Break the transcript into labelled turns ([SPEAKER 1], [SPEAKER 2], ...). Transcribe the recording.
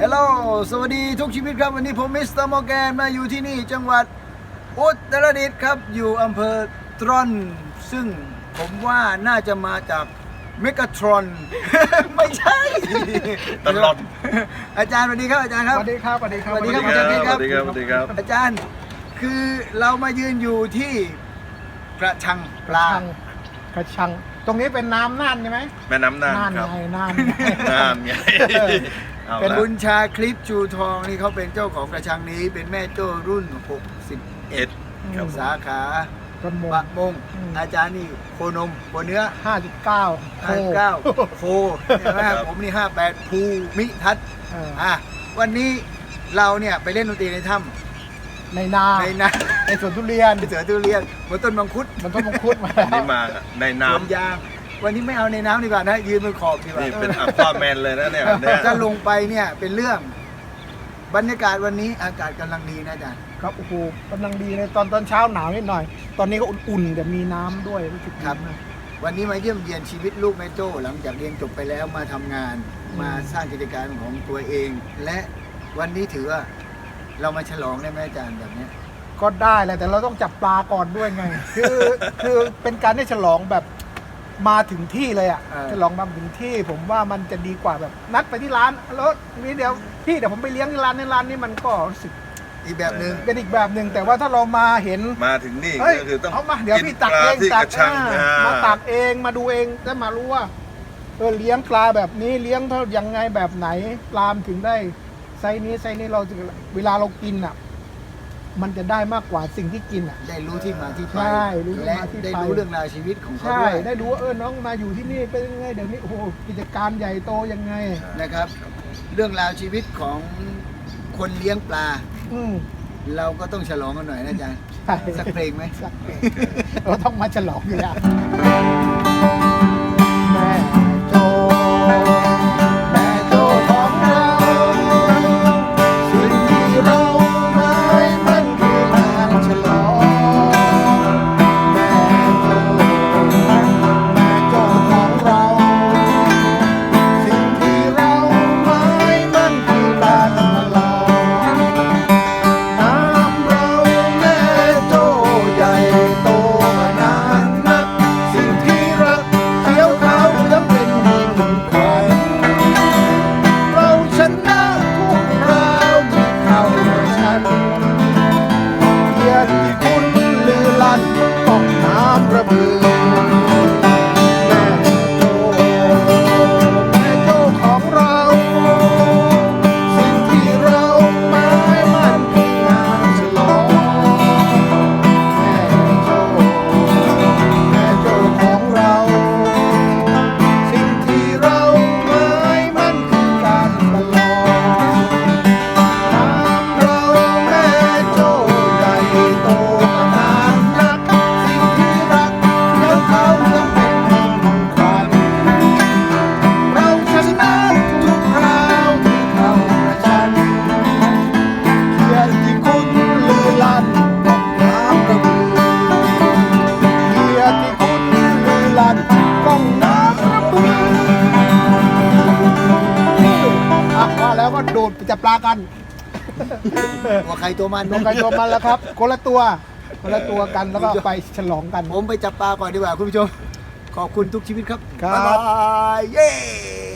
[SPEAKER 1] ฮัลโหลสวัสดีทุกชีวิตครับวันนี้ผมมิสเตอร์มอร์แกนมาอยู่ที่นี่จังหวัดอุตรดิตถ์ครับอยู่อำเภอตรอนซึ่งผมว่าน่าจะมาจากเมกาทรอน ไม่ใช่
[SPEAKER 2] ตลอด
[SPEAKER 1] อาจารย์สวัสดีครับอาจารย์ครับ
[SPEAKER 3] สวัสดีครับสวัสดีครับ
[SPEAKER 1] สวัสดีครับอาจารย์
[SPEAKER 2] สวัสดีครับสวัสดีครับ
[SPEAKER 1] อาจารย์คือเรามายืนอยู่ที่กระชังปลา
[SPEAKER 3] กระชังตรงนี้เป็นน้ำน่านใช่ไหม
[SPEAKER 2] แม่น้ำน่าน
[SPEAKER 3] น่าน
[SPEAKER 2] ครับ
[SPEAKER 3] ไงน่าน
[SPEAKER 2] น่านไงอา
[SPEAKER 1] เป็น
[SPEAKER 2] ละ
[SPEAKER 1] บุญชาคลิปชูทองนี่เขาเป็นเจ้าของกระชังนี้เป็นแม่โจ้รุ่น
[SPEAKER 2] เอ็ด
[SPEAKER 1] 61
[SPEAKER 2] ครับ
[SPEAKER 1] สาขา
[SPEAKER 3] ประมง
[SPEAKER 1] ปะมง
[SPEAKER 3] อืม
[SPEAKER 1] อาจารย์นี่โคนมโคเนื้อ
[SPEAKER 3] 5.9
[SPEAKER 1] 59โคใช่ไหมผมนี่58ภูมิทัศน์วันนี้เราเนี่ยไปเล่นดนตรีในถ้ำ
[SPEAKER 3] ในนา
[SPEAKER 1] ในนา
[SPEAKER 3] ในสวนทุเรียน
[SPEAKER 1] ไปเสือทุเรียนบนต้นมังคุด
[SPEAKER 3] มันต้นมังคุดมา
[SPEAKER 2] อันนี้มาใน
[SPEAKER 1] สวน
[SPEAKER 2] น้ำ
[SPEAKER 1] ยางวันนี้ไม่เอาในน้ำดีกว่านะยืนบนขอบดีกว่า
[SPEAKER 2] นี่เป็นอัควาแมนเลยนะเนี่ยเนี่ย
[SPEAKER 1] จะลงไปเนี่ยเป็นเรื่องบรรยากาศวันนี้อากาศกำลังดีนะอาจารย์
[SPEAKER 3] ครับโอ้โหกำลังดีเลยตอนเช้าหนาวนิดหน่อย ตอนนี้ก็อุ่นๆแต่มีน้ำด้วยรู้สึกดีมาก
[SPEAKER 1] วันนี้มาเยี่ยมเยียนชีวิตลูกแม่โจ้หลังจากเรียนจบไปแล้วมาทำงาน มาสร้างกิจการของตัวเอง และวันนี้ถือว่าเรามาฉลองได้ไหมอาจารย์แบบเนี้ย
[SPEAKER 3] ก็ได้แหละแต่เราต้องจับปลาก่อนด้วยไง คือเป็นการได้ฉลองแบบมาถึงที่เลยอ่ะฉลองมาถึงที่ผมว่ามันจะดีกว่าแบบนัดไปที่ร้านแล้วนี่เดี๋ยวพี่เดี๋ยวผมไปเลี้ยงที่ร้านในร้านนี้มันก็รู้สึก
[SPEAKER 1] อีกแบบหนึ่ง
[SPEAKER 3] เป็นอีกแบบหนึ่งแต่ว่าถ้าเรามาเห็น
[SPEAKER 2] มาถึงนี่
[SPEAKER 3] เฮ้ย
[SPEAKER 2] ก็คือต้อง
[SPEAKER 3] เอามาเดี๋ยวพี่ตักเอง
[SPEAKER 2] ที่
[SPEAKER 3] ตั
[SPEAKER 2] กระชัง
[SPEAKER 3] มาตักเองมาดูเองได้มารู้ว่าเลี้ยงปลาแบบนี้เลี้ยงเท่ายังไงแบบไหนปลามนถึงได้ไซส์นี้เราถึงเวลาเรากินอ่ะ มันจะได้มากกว่าสิ่งที่กินอ่ะ
[SPEAKER 1] ได้รู้ที่มาที่ไป
[SPEAKER 3] ใช่รู้ที่
[SPEAKER 1] และ
[SPEAKER 3] มาที่ไป
[SPEAKER 1] ได้รู้เรื่องราวชีวิตของเขา
[SPEAKER 3] ใช่
[SPEAKER 1] ด้วย
[SPEAKER 3] ได้รู้ว่าน้องมาอยู่ที่นี่เป็นยังไงเดี๋ยวนี้โอ้โหกิจการใหญ่โตยังไง
[SPEAKER 1] นะครับ เรื่องราวชีวิตของคนเลี้ยงปลา
[SPEAKER 3] อืม
[SPEAKER 1] เราก็ต้องฉลองกันหน่อยนะอาจารย์
[SPEAKER 3] ใช่
[SPEAKER 1] สักเพลงไหม
[SPEAKER 3] สักเพลงเราต้องมาฉลองอยู่แล้วแม่โจแม่โจของเราสิ่งที่เราหมายมันคืองานฉลองแม่โจของเราสิ่งที่เราหมายมันคือการฉลองน้ำเราแม่โจใหญ่โตมานานนักสิ่งที่รักเขียวขาวเหลืองเป็นมิ่งขวัญเราชนะทุกคราวที่เข้าชันเกียรติคุณลือลั่นต้องน้ำระเบือแม่โจของเราสิ่งที่เราหมายมันคืองานฉลองแม่โจของเราสิ่งที่เราหมายมันคือการตลอดน้ำเราแม่โจใหญ่โตมานานนักสิ่งที่รักเดี๋ยวเขาจะเป็นแห่งขวัญเราชนะทุกคราวที่เข้าประชันเกียรติคุณลือลั่นต้องน้ำระเบือเกียรติคุณลือลั่นต้องน้ำระเบือมาแล้วก็โดดไปจับปลากัน
[SPEAKER 1] ตัวใครตัวมัน
[SPEAKER 3] ตัวใครตัวมันแล้วครับคนละตัวกันแล้วก็ไปฉลองกัน
[SPEAKER 1] ผมไปจับปลาก่อนดีกว่าคุณผู้ชม ขอบคุณทุกชีวิตครับ
[SPEAKER 3] ครับ
[SPEAKER 1] บ๊ายบายเย้